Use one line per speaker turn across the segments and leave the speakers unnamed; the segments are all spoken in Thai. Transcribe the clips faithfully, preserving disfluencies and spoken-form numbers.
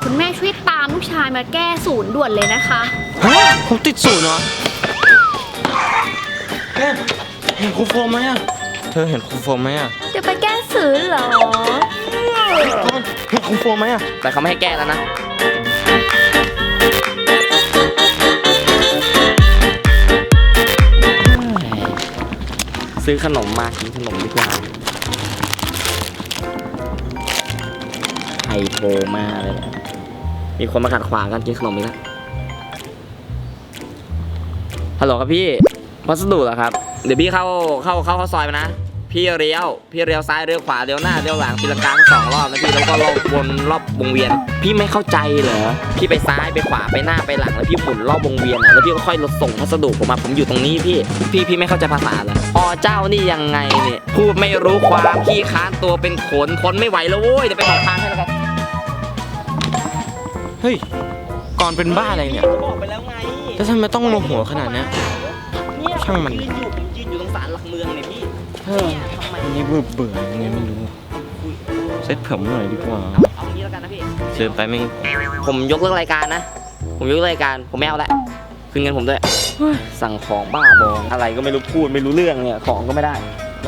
คุณแม่ช่วยตามลูกชายมาแก้ศูนย์ด่วนเลยนะคะ
ฮะผมติดศูนย์เหรอแม่เห็นครูโฟมไหมอะเธอเห็นครูโฟมไหมอะ
จะไปแก้ศูนย์เหรอ
เห็นครูโฟมไหมอะแต่เขาไม่ให้แก้แล้วนะซื้อขนมมากินขนมดีกว่าไฮโทรมาเลยมีคนมาขัดขวางกันกินขนมอีกแล้วฮัลโหลครับพี่พัสดุเหรอครับเดี๋ยวพี่เข้าเข้าเข้าเข้าซอยมานะพี่เลี้ยวพี่เลี้ยวซ้ายเลี้ยวขวาเลี้ยวหน้าเลี้ยวหลังตีลังกาสองรอบนะพี่แล้วก็รอบวนรอบวงเวียนพี่ไม่เข้าใจเหรอพี่ไปซ้ายไปขวาไปหน้าไปหลังแล้วพี่หมุนรอบวงเวียนอ่ะแล้วพี่ก็ค่อยรถส่งพัสดุผมมาผมอยู่ตรงนี้พี่พี่พี่ไม่เข้าใจภาษาเหรออ๋อเจ้านี่ยังไงเนี่ยพูดไม่รู้ความขี้ค้านตัวเป็นขนคนไม่ไหวแล้วโว้ยเดี๋ยวไปบอกทางให้แล้วกันเฮ้ยก่อนเป็นบ้าอะไรเนี่ยบอกไปแล้วไงแล้วทำไมต้องโมโหขนาดนี้ช่างมันยืนอยู่ผมยืนอยู่ตรงศาลหลักเมืองเนี่ยพี่เฮ้ยอันนี้เบื่อเบื่อยังไงไม่รู้เซ็ตผมหน่อยดีกว่าเอางี้แล้วกันนะพี่เชิญไปไม่ผมยกเลิกรายการนะผมยกเลิกรายการผมไม่เอาละคืนเงินผมด้วยสั่งของบ้าบออะไรก็ไม่รู้พูดไม่รู้เรื่องเนี่ยของก็ไม่ได้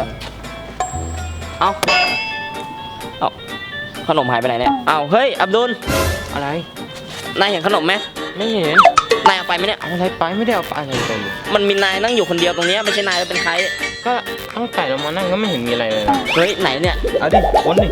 เอาเอาขนมหายไปไหนเนี่ยเอาเฮ้ยอับดุลอะไรนายเห็นขนมไหมไม่เห็นนายเอาไปไหมเนี่ยเอาอะไรไปไม่ได้เอาไปอะไรไปมันมีนายนั่งอยู่คนเดียวตรงนี้ไม่ใช่นายแล้วเป็นใครก็ตั้งแต่เรามานั่งก็ไม่เห็นมีอะไรเลยเฮ้ยไหนเนี่ยเอาดิค้นดิ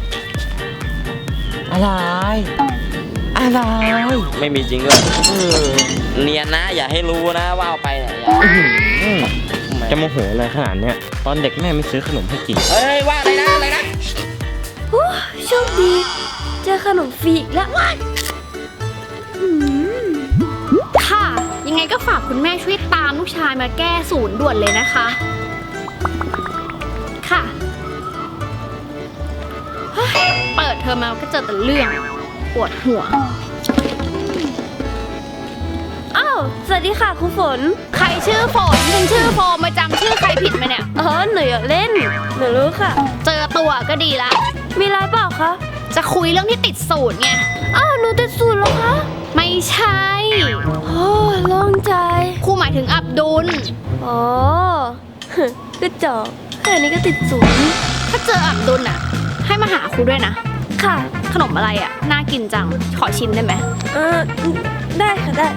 อะไรอะไรไม่มีจริงด้วยเนียนนะอย่าให้รู้นะว่าเอาไปเนี่ยจะโมโหอะไรขนาดเนี้ยตอนเด็กแม่ไม่ซื้อขนมให้กินเฮ้ยว่าอะไรนะอะไรนะ
โชคดีเจอขนมฟรีอีกแล้วค่ะยังไงก็ฝากคุณแม่ช่วยตามลูกชายมาแก้ศูนย์ด่วนเลยนะคะค่ะเปิดเทอมมาก็เจอแต่เรื่องปวดหัวอ้าวสวัสดีค่ะครูฝนใครชื่อฝนฉันชื่อโฟมมาจำชื่อใครผิดไหมเนี่ยเออหนูอยากเล่นหนูรู้ค่ะเจอตัวก็ดีละมีอะไรเปล่าคะจะคุยเรื่องที่ติดศูนย์ไงอ้าวหนูติดศูนย์แล้วคะไม่ใช่โอ้โล่งใจครูหมายถึงอับดุลอ๋อกระจอกแค่นี้ก็ติดศูนย์ถ้าเจออับดุลอ่ะให้มาหาครูด้วยนะค่ะขนมอะไรอ่ะน่ากินจังขอชิมได้ไหมเออได้ค่ะได้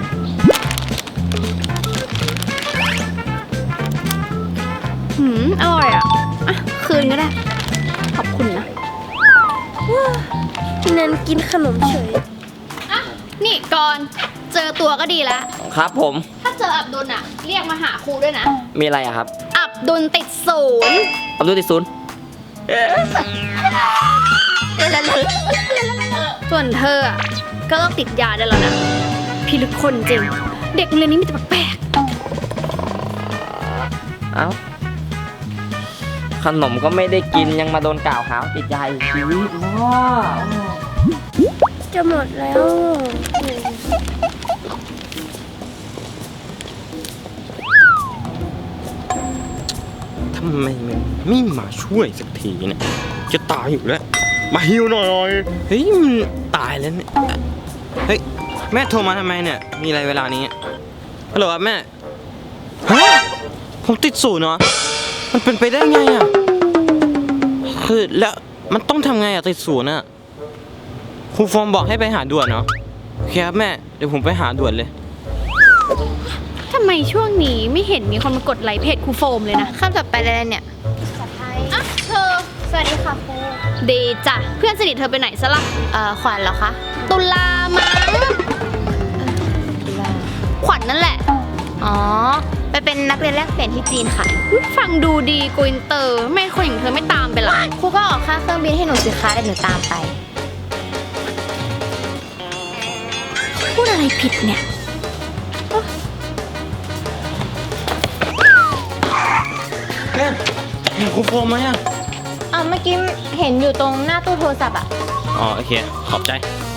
หืมอร่อยอ่ะอ่ะคืนก็ได้ขอบคุณนะเน้นกินขนมเฉยอ่ะนี่ก่อนเจอตัวก็ดีแล้วครับผมถ้าเจออับดุลอ่ะเรียกมาหาครูด้วยนะมีอะไรอะครับอับดุลติดศูนย์อับดุลติดศูนย์ส่วนเธอก็ต้องติดยาได้แล้วนะพี่ลึกคนจริงเด็กเรียนนี้มีแต่แปลกเอ้าขนมก็ไม่ได้กินยังมาโดนกล่าวหาติดยาอีกชีวิตว้าจะหมดแล้ว
ทำไมมันไม่มาช่วยสักทีเนี่ยจะตายอยู่แล้วมาฮิวหน่อยเฮ้ยมันตายแล้วเนี่ยเฮ้ยแม่โทรมาทำไมเนี่ยมีอะไรเวลานี้ฮัลโหลครับแม่ฮะผมติดศูนย์เหรอมันเป็นไปได้ไงอ่ะคือแล้วมันต้องทำไงอ่ะติดศูนย์อ่ะครูฟอร์มบอกให้ไปหาด่วนเนาะโอเคครับแม่เดี๋ยวผมไปหาด่วนเลย
ทำไมช่วงนี้ไม่เห็นมีคนมากดไลค์เพจครูโฟมเลยนะข้ามจับไปเลยเนี่ยอ่ะเธอสวัสดีค่ะครูดีจ้ะเพื่อนสนิทเธอไปไหนซะล่ะเอ่อขวัญเหรอคะตุลามั้งขวัญนั่นแหละอ๋อไปเป็นนักเรียนแลกเปลี่ยนที่จีนค่ะฟังดูดีโกอินเตอร์ไม่คนอย่างเธอไม่ตามไปหรอครูก็ออกค่าเครื่องบินให้หนูสิคะเดี๋ยวหนูตามไปพูดอะไรผิดเนี่ย
แม่เห็นครูโฟมไหมอ่ะ
อ่ะเมื่อกี้เห็นอยู่ตรงหน้าตู้โทรศัพท์อ่ะ
อ๋อโอเคขอบใจ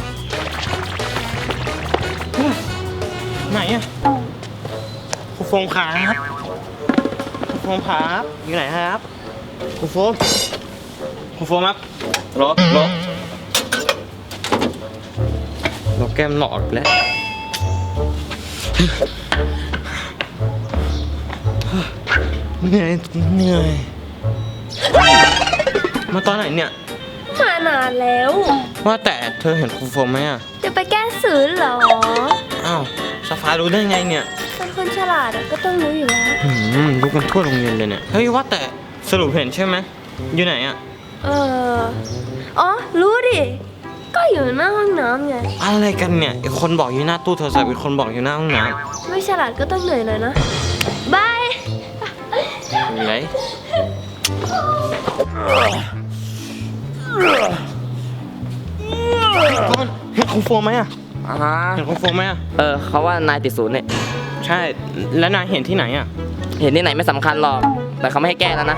ไหนอ่ะครูโฟมครับครูโฟมครับอยู่ไหนครับครูโฟมครูโฟมครับรอรอแก้มหลอกแล้วเหนื่อยเหนื่อยมาตอนไหนเนี่ย
มานานแล้ว
ว่าแต่เธอเห็นครูโฟมไหมอ่ะ
จะไปแก้สื่อเหรอ
อ้าวสฟ้ารู้ได้ไงเนี่ย
เป็นคนฉลาดอะก็ต้องรู้อยู่แล้ว
หืมรู้กันทั่วโรงเรียนเลยเนี่ย เฮ้ยว่าแต่สรุปเห็นใช่ไหมอยู่ไหนอ่ะ
เออ อ๋อ รู้ดิ ก็อยู่หน้าห้องน้ำไง
อะไรกันเนี่ยอีกคนบอกอยู่หน้าตู้โทรศัพท์อีกคนบอกอยู่หน้าห้องน้
ไม่ฉลาดก็ต้องเหนื่อยหน่อยนะ บาย
ำมีไรก่อนเห็นครูโฟมไหมอ่ะ
อ่าฮะ
เห็นครูโฟมไหมอ่ะ
เออเขาว่านายติดศูนย์เนี่ย
ใช่ แล้วนายเห็นที่ไหนอ่ะ
เห็นที่ไหนไม่สำคัญหรอก แต่เขาไม่ให้แก้แล้วนะ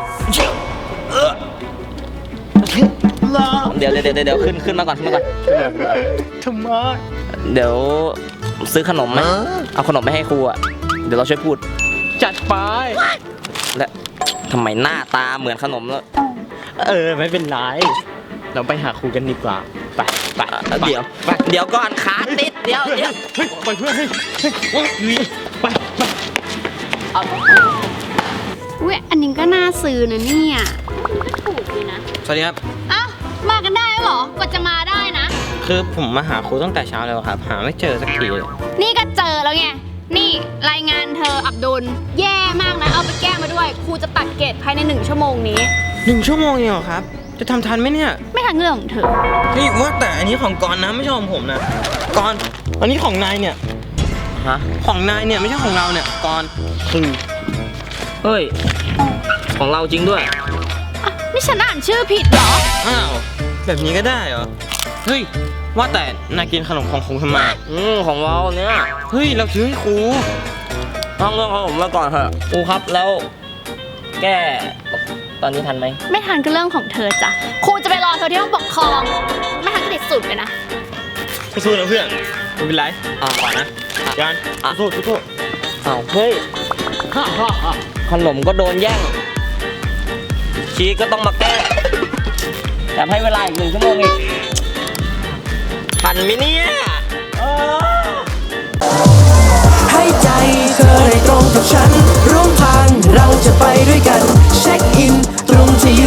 เดี๋ยวเดี๋ยวเดี๋ยวเดี๋ยวขึ้นขึ้นมาก่อนขึ้นมาก่อน
ทำไม
เดี๋ยวซื้อขนมไหมเอาขนมไปให้ครูอ่ะ เดี๋ยวเราช่วยพูด
จัดไป
และทำไมหน้าตาเหมือนขนมแล้ว
เออไม่เป็นไร เราไปหาครูกันดีกว่า ไปไป
เอ่อเดี๋ยว
ไป
เดี๋ยวก่อนขาติด เดี๋ยวเดี๋ยว
เฮ้ยไปเพื่อนเฮ้ยเฮ้ยเฮ้ยไปไป
อุ้ยอันนี้ก็น่าซื้อนะเนี่ยถูกเลยนะ
สวัสดีครับ
อ้าวมากันได้แล้วเหรอกว่าจะมาได้นะ
คือผมมาหาครูตั้งแต่เช้าแล้วครับ หาไม่เจอสักทีเลย
นี่ก็เจอแล้วไง นี่รายงานเธออับดุล แย่มากนะ เอาไปแก้มาด้วย ครูจะตัดเกรดภายในหนึ่งชั่วโมงนี้
หนึ่งชั่วโมงเองเหรอครับ จะทำทันไหมเนี่ย
ไม่ทันเรื่องของเธอ
นี่ว่าแต่อันนี้ของกรณ์นะไม่ใช่ของผมนะกรณ์อันนี้ของนายเนี่ย
ฮะ
ของนายเนี่ยไม่ใช่ของเราเนี่ยกรณ์คือ
เฮ้ย ของเราจริงด้วย
อ่ะ นี่ฉันอ่านชื่อผิดเหรอ
อ้าวแบบนี้ก็ได้เหรอ เฮ้ยว่าแต่นายกินขนมของครูทำไม
อืมของเราเนี่ย
เฮ้ยเราซื้อให้ครู
ต้องเรื่องของผมมาก่อนเถอะครูครับแล้ว แก้ตอนนี้ทันไหม
ไม่ทันก็เรื่องของเธอจ้ะ ครูจะไปรอเธอที่ห้องปกครอง ไม่ทันก็ติดสุดไปนะ
สู้ๆนะเพื่อนไม่เป็นไรอ่าก่อนนะยัน
อ่ะ
สู้ๆสู้
อ้าวเฮ้ย ขนมก็โดนแย่ง ชีก็ต้องมาแก้แถมให้เวลาอีกหนึ่งชั่วโมงอีกทันไหมเนี่ยเออ
ให้ใจเธอได้ตรงกับฉัน ร่วมทางเราจะไปด้วยกัน เช็คอินตรงที่